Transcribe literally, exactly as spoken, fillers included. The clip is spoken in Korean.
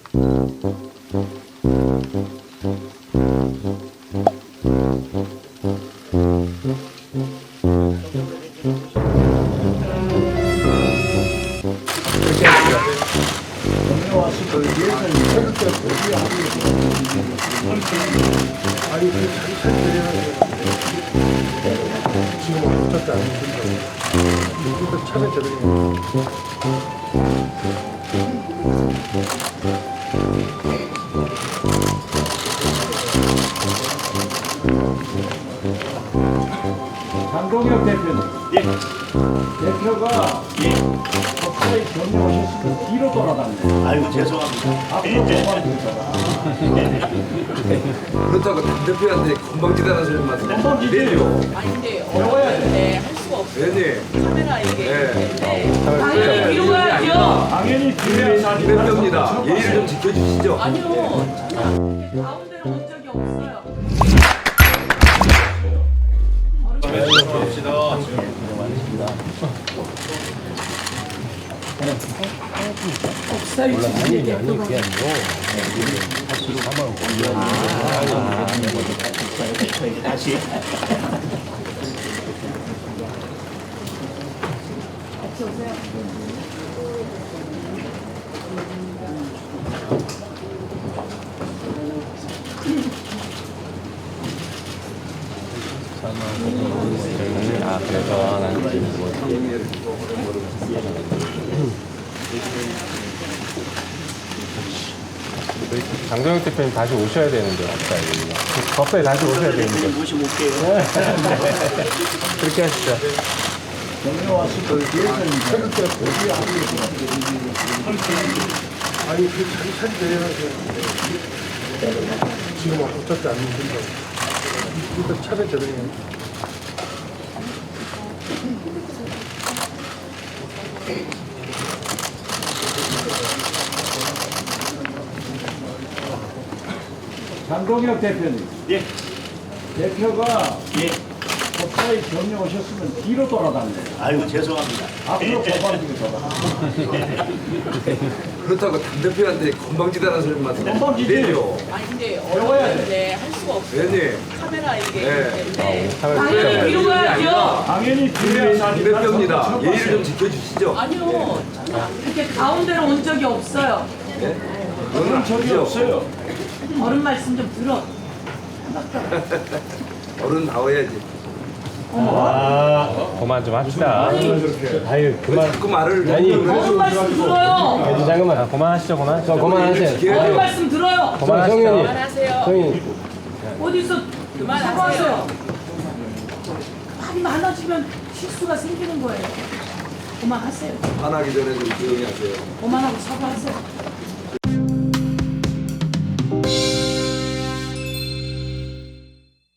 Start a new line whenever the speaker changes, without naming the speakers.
지금 어떻게 안 된다. 이거 차례 저렇게.
장동혁 대표님.
예.
대표가
예.
법사에 경영하셨으면 뒤로 돌아다니고
아이고 죄송합니다.
앞으로 도망치다가
그렇다고 대표한테 건방지다는 소리만
건방지대요.
아니 근데
배워야 돼.
네, 할 수가 없어요.
왜니?
카메라 이게
네.
때문에.
뒤로 가야죠.
당연히 뒤에 사진
대표입니다. 예의를 좀 지켜주시죠.
아니요.
가운데로 온 적이 없어요.
다시.
아, 그래서 나는 장동혁 대표님 다시 오셔야 되는데, 갑자기. 갑자기 다시 오셔야 되는데.
모시고 올게요.
그렇게 하시죠.
아니 그 자기 차례 내려가세요. 지금 어떻게 안 된다. 이거 차례 저렇게.
장동혁 대표님.
예.
대표가
예.
법사에 경영하셨으면 뒤로 돌아다니고
아이고 죄송합니다.
앞으로 도망치다가
그렇다고 당 대표한테 건방지다는 소리만
건방지대요.
아니 근데
배워야 돼.
어려운데 할 수가 없어요.
왜니?
카메라 이게
네.
때문에.
당연히 뒤로 가야죠.
당연히 뒤에
당
사진
대표입니다. 예의를 좀 지켜주시죠.
아니요.
이렇게 가운데로 온 적이 없어요.
그런 적이 없어요.
어른 말씀 좀 들어.
어른 나와야지.
그만 좀 합시다. 아유, 그만.
자꾸 말을
아니,
어른 말씀 들어요.
애지 잠깐만. 아, 그만하시죠, 그만. 저 그만하세요.
어른 말씀 들어요.
그만하시죠.
그만하세요.
성인.
어디서
그만하세요.
사과하세요. 말이 많아지면 실수가 생기는 거예요. 그만하세요.
화나기 전에 좀 조용히 하세요.
그만하고 사과하세요.